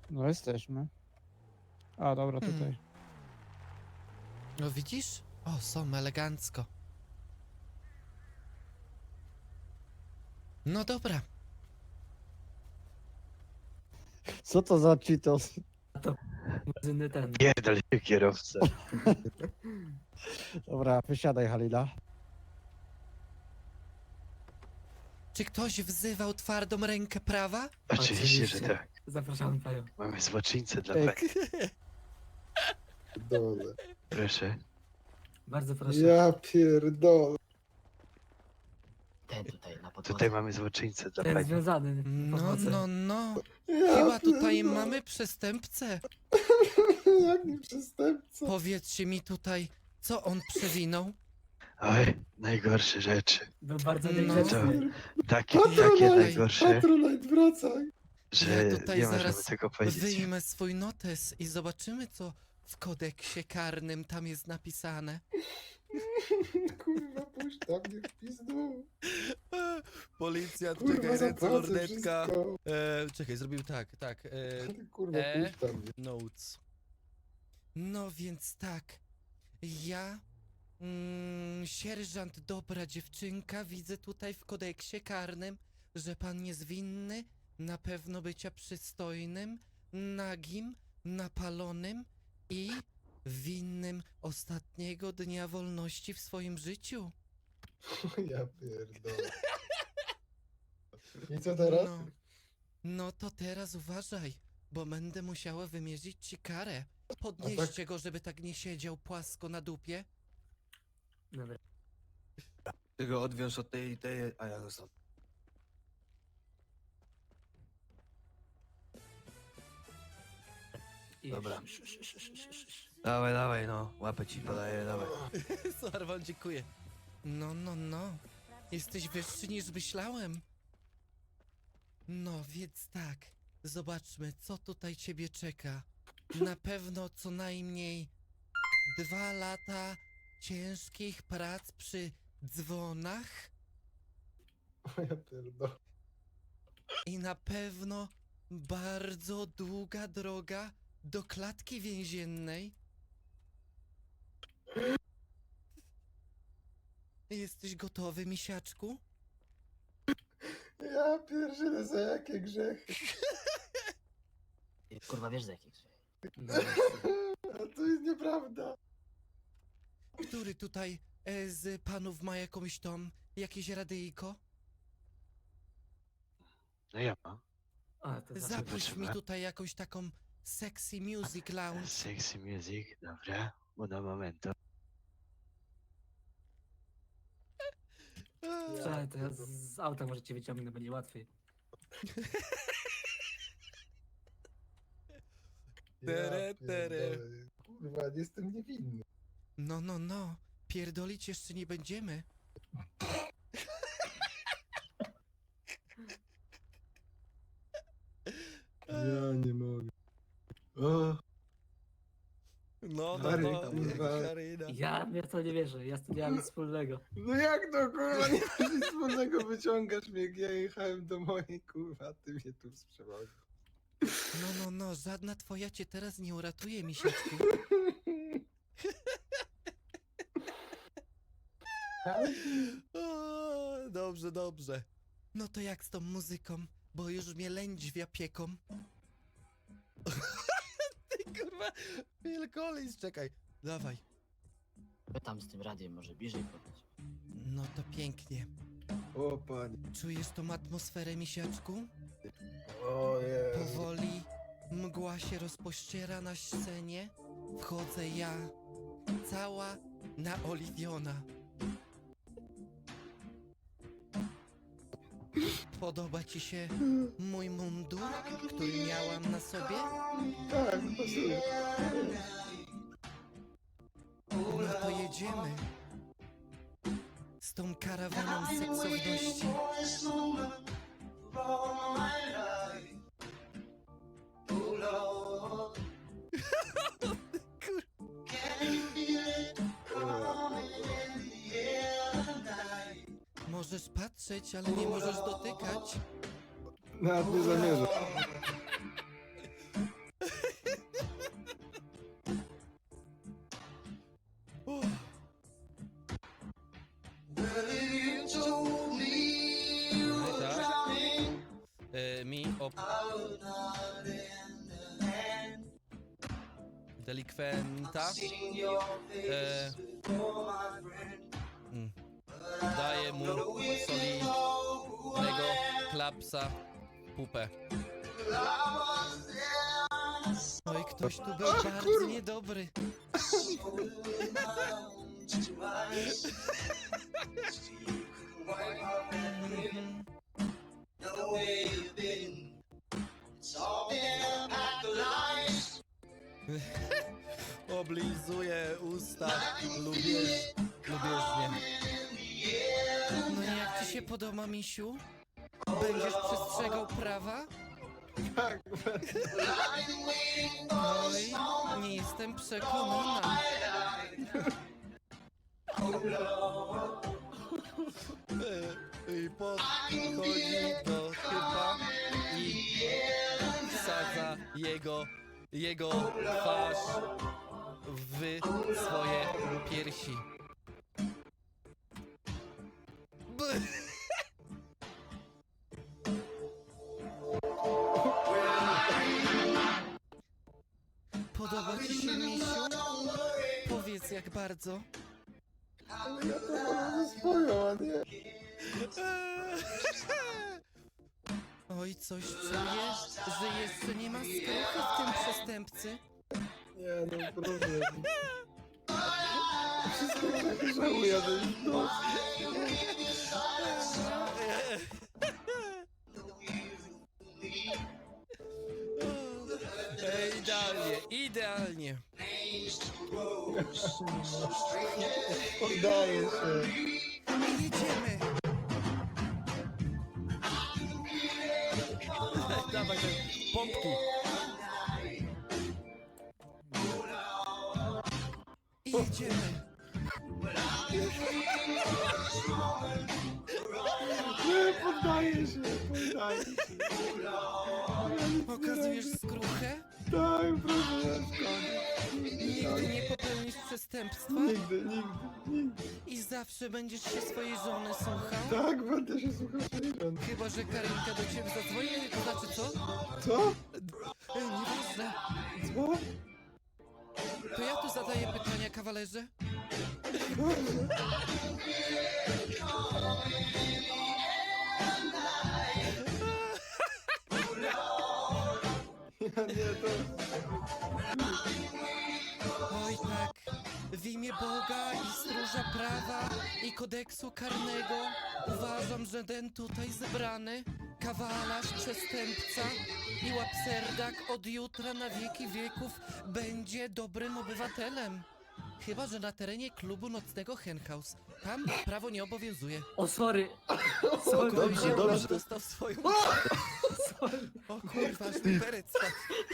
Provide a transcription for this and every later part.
No jesteśmy. A, dobra, tutaj. No widzisz? O, są elegancko. No dobra. Co to za Cheetos? Benzyny ten. Pierdol się kierowcę. Dobra, wysiadaj, Halila. Czy ktoś wzywał twardą rękę prawa? Oczywiście, że Oczywiście. tak. Zapraszamy panią. Mamy złoczyńcę dla Ej, pani. Dole. Proszę. Bardzo proszę. Ja pierdolę. Ten tutaj na podłodze. Tutaj mamy złoczyńcę dla Ten pani. związany. No, Pomocy. no. Ja Chyba tutaj pierdolę. mamy przestępcę. Jaki przestępca. Powiedzcie mi tutaj, co on przewinął? Oj, najgorsze rzeczy. Był bardzo No. niegrzeczny. Takie Patronite, najgorsze, Patronite, wracaj. że Ja tutaj nie możemy zaraz tego powiedzieć. Wyjmę swój notes i zobaczymy, co w kodeksie karnym tam jest napisane. Kurwa, puść tam mnie w pizdu. Policjant, Kurwa, zapłacę wszystko. Czekaj, zrobił tak. Ty, kurwa, E? puść tam mnie. Notes. No więc tak. Ja, sierżant dobra dziewczynka, widzę tutaj w kodeksie karnym, że pan jest winny na pewno bycia przystojnym, nagim, napalonym i winnym ostatniego dnia wolności w swoim życiu. Ja pierdolę. I co teraz? No to teraz uważaj, bo będę musiała wymierzyć ci karę. Podnieście go, żeby tak nie siedział płasko na dupie. Dobra. Ty go odwiąż od tej, a ja zostanę. I Dobra. Dawaj, no. Łapę ci podaję, dawaj. Sarwan, dziękuję. No. Jesteś wyższy niż myślałem. No, więc tak. Zobaczmy, co tutaj ciebie czeka. Na pewno co najmniej 2 lata ciężkich prac przy dzwonach Ja pierdolę. i na pewno bardzo długa droga do klatki więziennej. Jesteś gotowy, misiaczku? Ja pierdzielę, za jakie grzechy. Kurwa, wiesz za jakich? A to jest nieprawda. Który tutaj z panów ma jakąś jakieś radyjko? No ja mam. A, to zawsze. Zapuść mi potrzeba? tutaj jakąś taką sexy music lounge. Sexy music, dobra. Uno momento. Słuchaj, to ja z auta możecie wyciągnąć, będzie łatwiej. Tere, tere. pierdolę. Kurwa, nie jestem niewinny. No. Pierdolić jeszcze nie będziemy. Ja nie mogę. O, No, Stary, kurwa. Karina. Ja mnie w to nie wierzę, ja z tym nie mam nic wspólnego. no jak to kurwa, nie masz nic wspólnego, wyciągasz mnie, jak ja jechałem do mojej, kurwa, ty mnie tu sprzedasz. No, żadna twoja cię teraz nie uratuje, misiaczku. O, dobrze. No to jak z tą muzyką, bo już mnie lędźwia pieką. Ty kurwa, Phil Collins, czekaj, dawaj. Wy tam z tym radiem może bliżej podejść. No to pięknie. O panie, Czujesz tą atmosferę, misiaczku? o Jezu. Powoli mgła się rozpościera na scenie. Wchodzę ja, cała naoliwiona. Podoba ci się mój mundur, który miałam na sobie? Tak, pasuje. No to jedziemy. Z tą karawaną seksowności. Możesz patrzeć, ale nie możesz dotykać. Nawet nie zamierzam. mi o... Delikwenta. Daję mu solidnego klapsa w pupę. Oj, ktoś tu był bardzo niedobry. Oblizuję usta lubieżnie. No i jak ci się podoba, misiu? Będziesz przestrzegał prawa? Tak, Oj, nie jestem przekonana. I podchodzi do typa i wsadza jego twarz w swoje piersi. Podoba ci się, misiu? Powiedz, jak bardzo. ale ja to mam ze swoją, a nie. Oj, coś czuję, że jeszcze nie ma skruchy w tym przestępcy. Nie, no problem. Wszystko tak żałuję, to jest dosyć. Idealnie. Poddaję się. Jedziemy. Dawaj te pompki. I jedziemy. Nie, poddaję się, poddaję się. Pokazujesz skruchę? Tak, proszę, ja koniec. Nigdy nie popełnisz przestępstwa? Nigdy, nigdy. I zawsze będziesz się swojej żony słuchał? Tak, będę się słuchał swojej żony. Chyba że Karinka do ciebie zadzwoni, to znaczy co? Co? Nieważne. Co? To ja tu zadaję pytania, kawalerze. Ja nie, to... Oj tak, w imię Boga i stróża prawa i kodeksu karnego uważam, że ten tutaj zebrany kawalarz, przestępca i łapserdak od jutra na wieki wieków będzie dobrym obywatelem. Chyba że na terenie klubu nocnego Henhouse. Tam prawo nie obowiązuje. O, sorry. Sorry. Spokojnie, dobrze. dostał swoją... Sorry. O kurwa, aż mi perec spadł.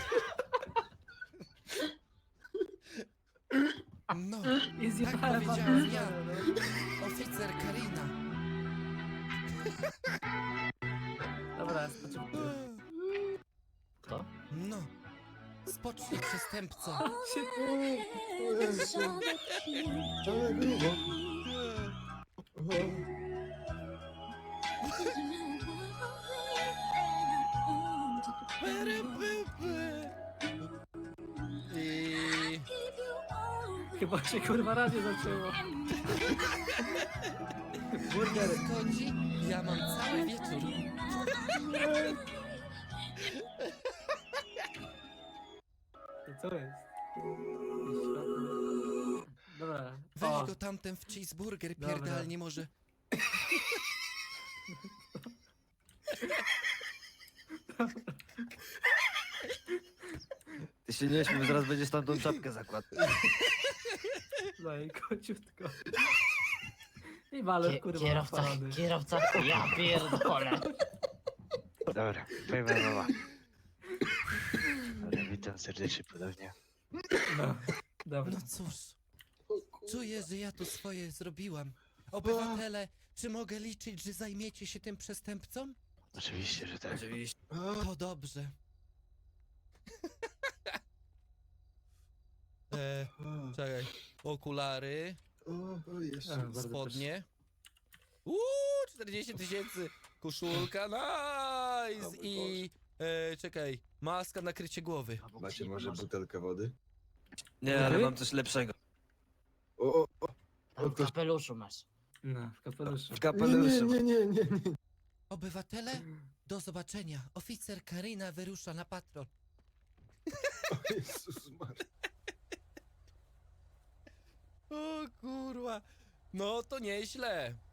No, I tak zjebałem powiedziałem ja, atmosferę, oficer Karina. no. Dobra, spoczywamy. Kto? No, spocznij przestępco. O Jezu. Ale grubo. I... Chyba się kurwa radio zaczęło. Burger. Szkodzi, ja mam cały wieczór. To co jest? Dobra. Weź O, go tamten w cheeseburger Dobra. pierdalnie może. Ty się nie śmiej, zaraz będziesz tam tą czapkę zakładał. no i kociutko. I walor kurwa Kierowca, napalony. kierowca, ja pierdolę. Dobra, powiem wam mama. Dobra, witam serdecznie ponownie. No, dobra. No cóż, czuję, że ja tu swoje zrobiłam. Obywatele, czy mogę liczyć, że zajmiecie się tym przestępcą? Oczywiście, że tak. Oczywiście. To dobrze. Czekaj, okulary, O, jeszcze. Bardzo spodnie. 40 000, Koszulka, nice! O mój I... czekaj, maska na krycie głowy. Macie może butelkę wody? Nie, ale Okej. mam coś lepszego. W kapeluszu masz. No, w kapeluszu. W kapeluszu. Nie. Obywatele, do zobaczenia. Oficer Karina wyrusza na patrol. O Jezus Maria. O kurwa. No to nieźle.